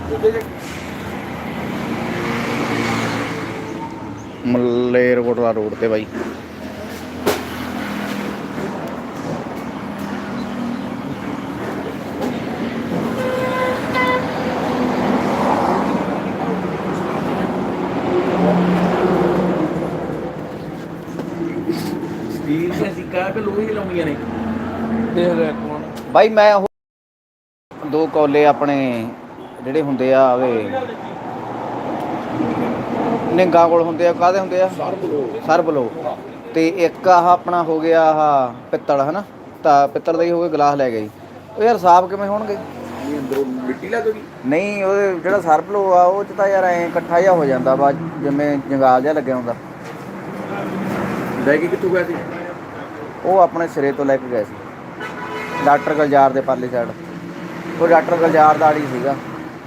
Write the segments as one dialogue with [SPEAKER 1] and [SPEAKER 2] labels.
[SPEAKER 1] Malerkotla road ਤੇ ਬਾਈ।
[SPEAKER 2] Steel ਦੀਆਂ ਸਿੱਕਾ ਕਿ ਲੋਹੇ ਦੀਆਂ ਲਾਉਣੀਆਂ ਨੇ?
[SPEAKER 3] ਦੇਖ ਲੈ ਕੋਣ
[SPEAKER 1] ਬਾਈ ਮੈਂ ਉਹ 2 ਕੌਲੇ ਆਪਣੇ ਜਿਹੜੇ ਹੁੰਦੇ ਆ ਆਵੇ ਨਿੰਗਾ ਕੋਲ ਹੁੰਦੇ ਆ, ਕਾਹਦੇ ਹੁੰਦੇ ਆ? ਸਰਬਲੋ। ਤੇ ਇੱਕ ਆਹ ਆਪਣਾ ਹੋ ਗਿਆ ਆਹ ਪਿੱਤਲ ਹੈ ਨਾ, ਤਾਂ ਪਿੱਤਲ ਦਾ ਹੀ ਹੋ ਗਿਆ। ਗਲਾਸ ਲੈ ਗਏ ਉਹ ਯਾਰ, ਸਾਫ਼ ਕਿਵੇਂ ਹੋਣਗੇ?
[SPEAKER 2] ਅੰਦਰੋਂ ਮਿੱਟੀ ਲੱਗ ਗਈ?
[SPEAKER 1] ਨਹੀਂ, ਉਹ ਜਿਹੜਾ ਸਰਬਲੋ ਆ ਉਹ 'ਚ ਤਾਂ ਯਾਰ ਐਂ ਇਕੱਠਾ ਜਿਹਾ ਹੋ ਜਾਂਦਾ ਵਾ, ਜਿਵੇਂ ਜੰਗਾਲ ਜਿਹਾ ਲੱਗਿਆ ਹੁੰਦਾ।
[SPEAKER 2] ਲੈ ਕੇ ਕਿੱਥੋਂ ਗਿਆ ਸੀ?
[SPEAKER 1] ਉਹ ਆਪਣੇ ਸਿਰੇ ਤੋਂ ਲੈ ਕੇ ਗਏ ਸੀ, ਡਾਕਟਰ ਗੁਲਜ਼ਾਰ ਦੇ ਪਰਲੀ ਸਾਈਡ। ਉਹ ਡਾਕਟਰ ਗੁਲਜ਼ਾਰ ਦਾ ਆੜੀ ਸੀਗਾ।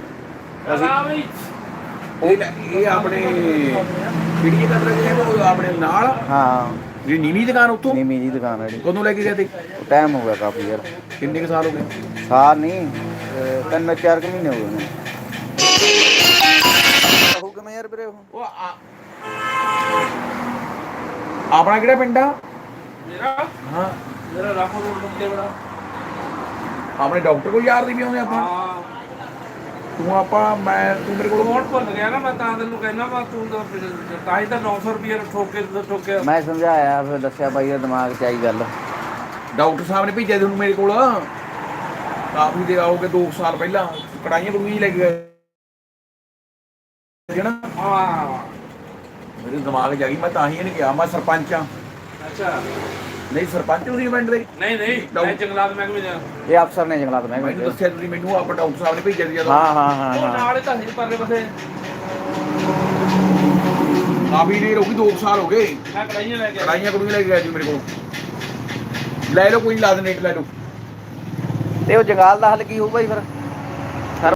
[SPEAKER 2] ਇਹ ਆਪਣੇ ਕਿਹੜੀ ਜਗ੍ਹਾ ਤੇ ਲੱਗੇ? ਉਹ ਆਪਣੇ ਨਾਲ
[SPEAKER 1] ਹਾਂ,
[SPEAKER 2] ਜਿਹੜੀ ਨੀਵੀਂ ਦੁਕਾਨ ਉੱਥੋਂ?
[SPEAKER 1] ਨੀਵੀਂ ਜੀ ਦੁਕਾਨ ਹੈ ਜਿਹੜੀ।
[SPEAKER 2] ਕਦੋਂ ਲੈ ਕੇ ਗਏ ਤੇ?
[SPEAKER 1] ਟਾਈਮ ਹੋ ਗਿਆ ਕਾਫੀ ਯਾਰ।
[SPEAKER 2] ਕਿੰਨੇ ਕੁ ਸਾਲ ਹੋ ਗਏ?
[SPEAKER 1] ਸਾਲ ਨਹੀਂ, 3-4 ਮਹੀਨੇ ਹੋ ਗਏ ਨੇ। ਉਹ ਕਿਵੇਂ ਯਾਰ ਵੀਰੇ?
[SPEAKER 2] ਉਹ ਆਪਣਾ ਕਿਹੜਾ ਪਿੰਡ ਆ?
[SPEAKER 3] ਮੇਰਾ
[SPEAKER 2] ਹਾਂ,
[SPEAKER 3] ਮੇਰਾ ਰਾਖੋ ਰੋਡ ਬੰਦੇ ਬੜਾ।
[SPEAKER 2] ਆਪਣੇ ਡਾਕਟਰ ਕੋਲ ਯਾਰ ਦੀ ਵੀ ਆਉਂਦੇ ਆਪਾਂ।
[SPEAKER 3] ਹਾਂ
[SPEAKER 2] ਤੂੰ ਮੇਰੇ ਕੋਲ
[SPEAKER 3] ਕੋਣ ਭੁੱਲ ਗਿਆ ਨਾ, ਮੈਂ ਤਾਂ ਤੈਨੂੰ ਕਹਿਣਾ ਵਾ ਤੂੰ ਤਾਂ ਹੀ ਤਾਂ 900 ਰੁਪਏ ਠੋਕੇ।
[SPEAKER 1] ਮੈਂ ਸਮਝਾਇਆ, ਫਿਰ ਦੱਸਿਆ ਬਾਈ ਦਾ ਦਿਮਾਗ 'ਚ ਆਈ ਗੱਲ।
[SPEAKER 2] ਡਾਕਟਰ ਸਾਹਿਬ ਨੇ ਭੇਜਿਆ ਤੁਹਾਨੂੰ ਮੇਰੇ ਕੋਲ ਕਾਫੀ ਦੇ ਆਓਗੇ 2 ਸਾਲ ਪਹਿਲਾਂ। ਕੜਾਈਆਂ ਕੜੂਈਆਂ ਲੈ ਕੇ ਗਏ ਨਾ।
[SPEAKER 3] ਹਾਂ
[SPEAKER 2] ਮੇਰੇ ਦਿਮਾਗ 'ਚ ਆ ਗਈ, ਮੈਂ ਤਾਂ ਹੀ ਇਹਨੇ ਕਿਹਾ ਮੈਂ ਸਰਪੰਚ ਆ।
[SPEAKER 3] ਅੱਛਾ
[SPEAKER 2] ਨਹੀਂ, ਸਰਪੰਚ ਤੁਸੀਂ ਪਿੰਡ ਦੇ?
[SPEAKER 3] ਨਹੀਂ ਮੈਂ ਜੰਗਲਾਤ ਮਹਿਕਮੇ ਜਾ।
[SPEAKER 1] ਇਹ ਅਫਸਰ ਨੇ ਜੰਗਲਾਤ
[SPEAKER 2] ਮੈਨੂੰ
[SPEAKER 1] ਮਹਿਕਮੇ।
[SPEAKER 2] ਦੱਸਿਆ ਤੁਸੀਂ ਮੈਨੂੰ, ਆਪਾਂ ਡਾਕਟਰ ਸਾਹਿਬ ਨੇ ਭੇਜਿਆ ਸੀ ਜਦੋਂ।
[SPEAKER 1] ਹਾਂ
[SPEAKER 3] ਉਹ ਨਾਲ ਹੀ ਤਾਂ ਸੀ ਪਰਲੇ ਪਾਸੇ।
[SPEAKER 2] ਕਾਫੀ ਦੇਰ ਹੋ ਗਈ, 2 ਸਾਲ ਹੋ ਗਏ।
[SPEAKER 3] ਮੈਂ ਕੜਾਈਆਂ ਲੈ ਕੇ
[SPEAKER 2] ਕੜਾਈਆਂ ਕੜੂਈਆਂ ਲੈ ਕੇ ਗਿਆ ਜੀ ਮੇਰੇ ਕੋਲ। ਲੈ ਲਓ, ਕੋਈ ਨੀ, ਲਾ ਦੇ ਨੇਟ ਲੈ ਲਓ।
[SPEAKER 1] ਤੇ ਉਹ ਜੰਗਾਲ ਦਾ ਹੱਲ ਕੀ ਹੋਊ ਬਾਈ ਫਿਰ?